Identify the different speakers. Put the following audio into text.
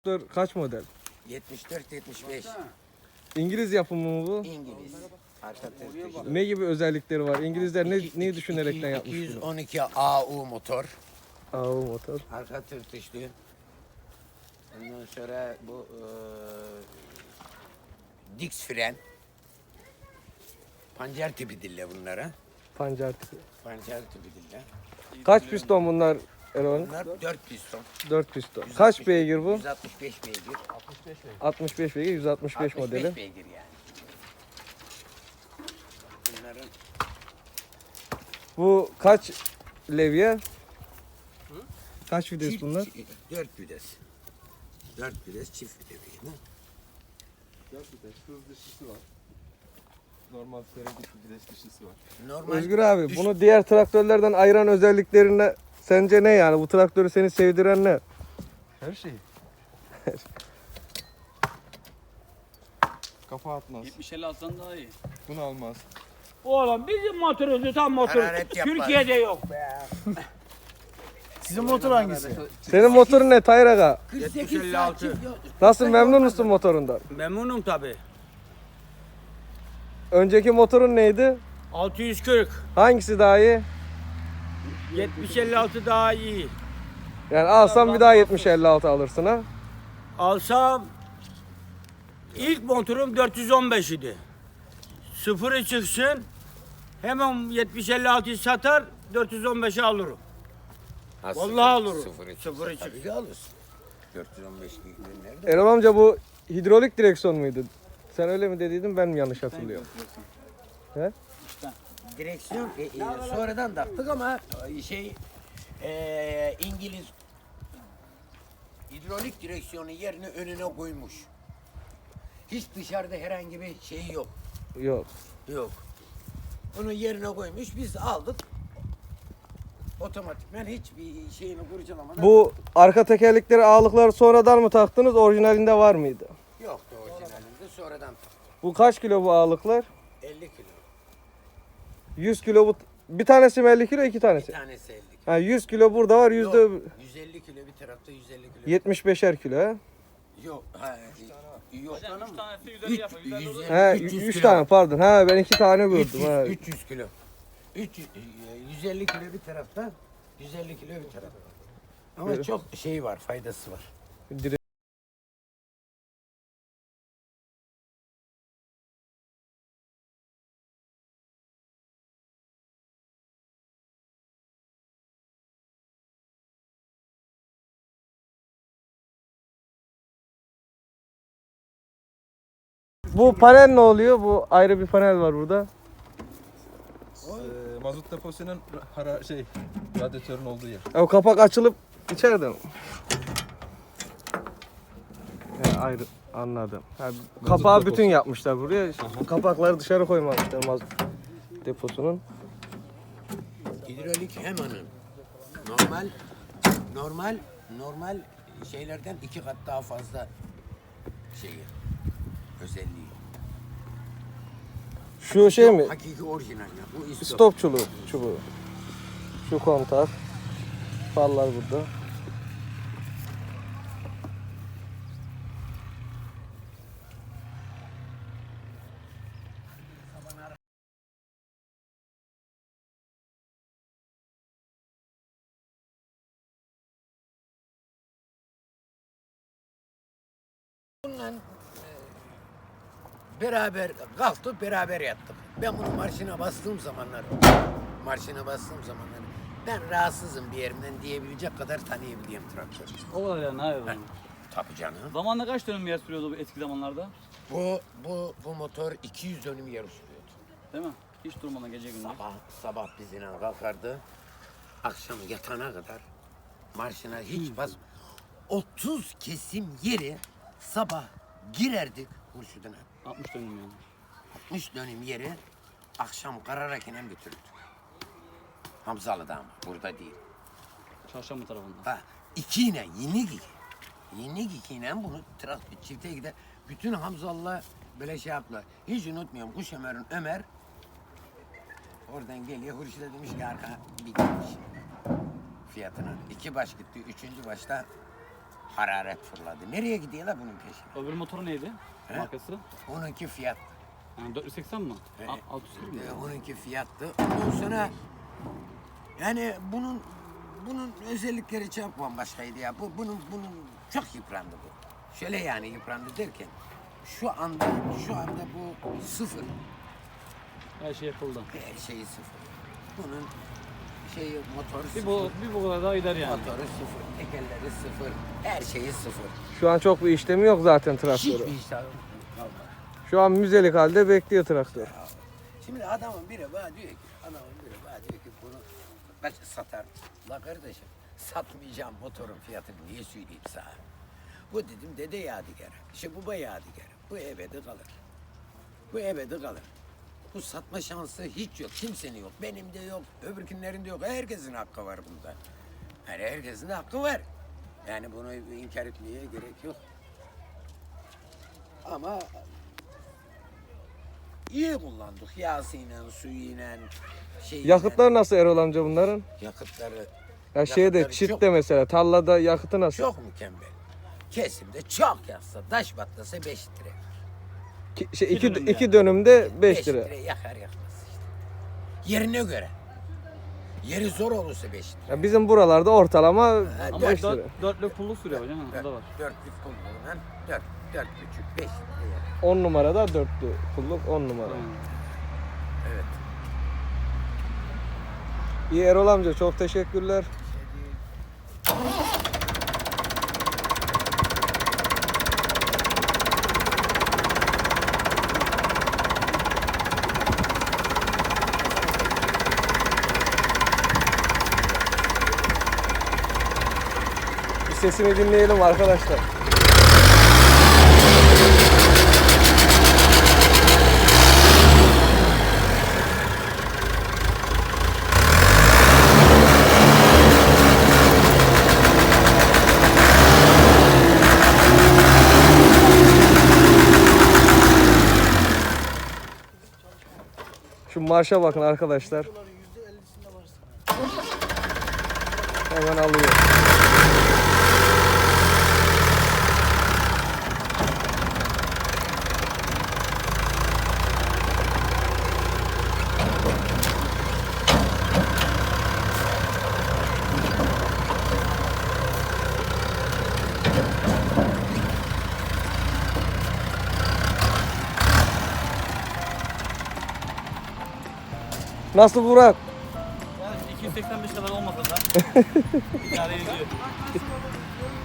Speaker 1: traktör kaç model?
Speaker 2: 74-75.
Speaker 1: İngiliz yapımı mı bu?
Speaker 2: İngiliz. Arka tırtıklı.
Speaker 1: Ne gibi özellikleri var? İngilizler neyi düşünerekten yapmış bunu?
Speaker 2: 212 AU motor.
Speaker 1: AU motor.
Speaker 2: Arka tırtıklı. Ondan sonra bu Dix fren. Pancar tipi dille bunlara.
Speaker 1: Pancar tipi.
Speaker 2: Pancar tipi dille.
Speaker 1: Kaç piston bunlar Erol?
Speaker 2: Bunlar 4 piston.
Speaker 1: 4 piston. Kaç beygir bu?
Speaker 2: 165 beygir.
Speaker 1: 65 beygir, 165
Speaker 2: 65
Speaker 1: modeli.
Speaker 2: beygir yani. Bunların
Speaker 1: Bu kaç levye? Kaç vites bunlar?
Speaker 2: 4 vites. 4 vites çift vites.
Speaker 3: 4 vites, hız dışısı var. Normal seri vites dışısı var.
Speaker 2: Normal
Speaker 1: Özgür abi bunu diğer traktörlerden ayıran özelliklerine sence ne yani? Bu traktörü seni sevdiren ne?
Speaker 3: Her şeyi. Kafa atmaz.
Speaker 4: 70-50 alsan daha iyi.
Speaker 3: Bunu almaz.
Speaker 5: Oğlum bizim motorumuz tam motor.
Speaker 2: Hararet yapar.
Speaker 5: Türkiye'de yok be.
Speaker 6: Sizin motor hangisi?
Speaker 1: Senin motorun ne Tayyar Aga?
Speaker 2: 48 saat çift yol.
Speaker 1: Nasıl, memnun musun motorundan?
Speaker 5: Memnunum tabi.
Speaker 1: Önceki motorun neydi?
Speaker 5: 640.
Speaker 1: Hangisi daha iyi?
Speaker 5: 70-56 daha iyi.
Speaker 1: Yani alsam bir daha 70-56 alırsın ha?
Speaker 5: Alsam ilk motorum 415 idi. Sıfırı çıksın hemen 70-56'yı satar 415'i alırım.
Speaker 2: Ha,
Speaker 5: Vallahi alırım.
Speaker 2: Sıfırı
Speaker 5: Sıfırı
Speaker 2: çıksa tabii ki alırsın. 415 nerede?
Speaker 1: Erol amca bu hidrolik direksiyon muydu? Sen öyle mi dediydin, ben mi yanlış hatırlıyorum? He?
Speaker 2: Direksiyon sonradan taktık ama İngiliz hidrolik direksiyonu yerine önüne koymuş. Hiç dışarıda herhangi bir şey yok.
Speaker 1: Yok.
Speaker 2: Yok. Onu yerine koymuş. Biz aldık. Otomatikman hiçbir şeyini kurcalamadan.
Speaker 1: Bu arka tekerlekleri, ağırlıkları sonradan mı taktınız, orijinalinde var mıydı?
Speaker 2: Yoktu orijinalinde. Sonradan taktık.
Speaker 1: Bu kaç kilo bu ağırlıklar?
Speaker 2: 50 kilo.
Speaker 1: 100 kilo bu. Bir tanesi mi 50 kilo, iki
Speaker 2: Bir
Speaker 1: tanesi?
Speaker 2: tanesi 50 kilo.
Speaker 1: Ha, 100 kilo burada var,
Speaker 2: Yok,
Speaker 1: yüzde
Speaker 2: 150 kilo bir tarafta 150 kilo.
Speaker 1: 75'er kilo ha?
Speaker 2: Yok. Ha, yok.
Speaker 4: 3 tanesi 150 yapar. 150 olur.
Speaker 1: He,
Speaker 2: 300
Speaker 1: 3
Speaker 2: kilo.
Speaker 1: tane pardon. Ha, ben 2 tane gördüm.
Speaker 2: 300,
Speaker 1: Ha.
Speaker 2: 300 kilo. 150 kilo bir tarafta, 150 kilo bir tarafta. Ama çok şey var, faydası var.
Speaker 1: Dire- Bu panel ne oluyor? Bu ayrı bir panel var burada.
Speaker 3: Mazot deposunun radyatörün olduğu yer.
Speaker 1: O kapak açılıp içeride mi? He, ayrı, anladım. Ha, kapağı
Speaker 3: deposu.
Speaker 1: bütün yapmışlar buraya. Kapakları dışarı koymamışlar mazot deposunun.
Speaker 2: Hidrolik hemanın normal şeylerden 2 kat daha fazla şeyi, özelliği.
Speaker 1: Şu şey mi?
Speaker 2: Hakiki orijinal ya. Bu istop.
Speaker 1: Stop çubuğu. Şu kontak. Farlar burada.
Speaker 2: Bununla beraber kalktık, beraber yattık. Ben bunu marşına bastığım zamanlar ben rahatsızım bir yerimden diyebilecek kadar tanıyabildiğim traktör.
Speaker 4: O kadar yani hayır. Yani.
Speaker 2: Tabii canım.
Speaker 4: Zamanla kaç dönüm yer sürüyordu bu eski zamanlarda?
Speaker 2: Bu motor 200 dönüm yer sürüyordu.
Speaker 4: Değil mi? Hiç durmadan gece gündüz.
Speaker 2: Sabah bizimle kalkardı. Akşam yatana kadar marşına hiç bas. 30 kesim yeri sabah girerdik Hurşud'una.
Speaker 4: 60 dönüm yani.
Speaker 2: 60 dönüm yeri akşam kararak inen götürdük. Hamzalı'da ama burada değil.
Speaker 4: Çarşamba tarafında.
Speaker 2: Ha, ikiyle Yenik ikiyle bunu traktör çifte gider. Bütün Hamzalı'la böyle şey yaptılar. Hiç unutmuyorum Kuşömer'in Ömer oradan geliyor. Hurşit'e demiş ki arka bir gitmiş fiyatına. 2 baş gitti. 3. başta Hararet fırladı. Nereye gidiyor la bunun peşine?
Speaker 4: Öbür motoru neydi?
Speaker 2: He?
Speaker 4: Markası?
Speaker 2: Onunki fiyat.
Speaker 4: Yani 480 mi?
Speaker 2: He.
Speaker 4: 640 mı?
Speaker 2: Onunki fiyattı. Ondan sonra yani bunun özellikleri çok bambaşkaydı ya. Bunun çok yıprandı bu. Şöyle yani yıprandı derken şu anda bu sıfır.
Speaker 4: Her şey yapıldı.
Speaker 2: Her şeyi sıfır. Bunun motoru
Speaker 4: Bir
Speaker 2: sıfır.
Speaker 4: bu kadar daha gider yani.
Speaker 2: Motoru sıfır. Tekerleri sıfır. Her şeyi sıfır.
Speaker 1: Şu an çok bir işlemi yok zaten traktörü.
Speaker 2: Hiçbir iş kalmadı.
Speaker 1: Şu an müzelik halde bekliyor traktör.
Speaker 2: Şimdi adamın biri bana diyor ki, bunu kaç satar? La kardeşim, satmayacağım motorun fiyatını niye söyleyeyim sana? Bu dedim dede yadigarı, işte baba yadigarı. Bu ebedi kalır. Bu ebedi kalır. Bu satma şansı hiç yok, kimsenin yok. Benim de yok, öbürkünlerin de yok. Herkesin hakkı var bunda. Yani herkesin de hakkı var. Yani bunu inkar etmeye gerek yok. Ama iyi kullandık. Yağsıyla, suyuyla, şeyiyle.
Speaker 1: Yakıtlar nasıl Erol amca bunların?
Speaker 2: Yakıtları
Speaker 1: Ya şeyde
Speaker 2: Yakıtları
Speaker 1: çitte
Speaker 2: çok-
Speaker 1: mesela tarlada yakıtı nasıl?
Speaker 2: çok mükemmel. Kesimde çok yaksa, taş batlasa 5 litre.
Speaker 1: İki
Speaker 4: dönüm
Speaker 1: iki
Speaker 4: yani.
Speaker 1: dönümde 5
Speaker 2: 5
Speaker 1: lira.
Speaker 2: litre yakar yakmaz işte. Yerine göre. Yeri zor olursa 5 litre.
Speaker 1: Ya bizim buralarda ortalama
Speaker 4: Ama
Speaker 1: 5 lira.
Speaker 4: dörtlük pulluk sürüyor hocam. O da var.
Speaker 2: 4'lük kullanılan 4,5, 5 litre yakar.
Speaker 1: 10 numarada 4'lü pulluk 10 numara.
Speaker 4: Aynen.
Speaker 2: Evet.
Speaker 1: İyi Erol amca çok teşekkürler. Bir sesini dinleyelim arkadaşlar. Şu marşa bakın arkadaşlar. Hemen alıyor. Nasıl Burak?
Speaker 4: Yani 285 kadar olmasa da idare ediyor.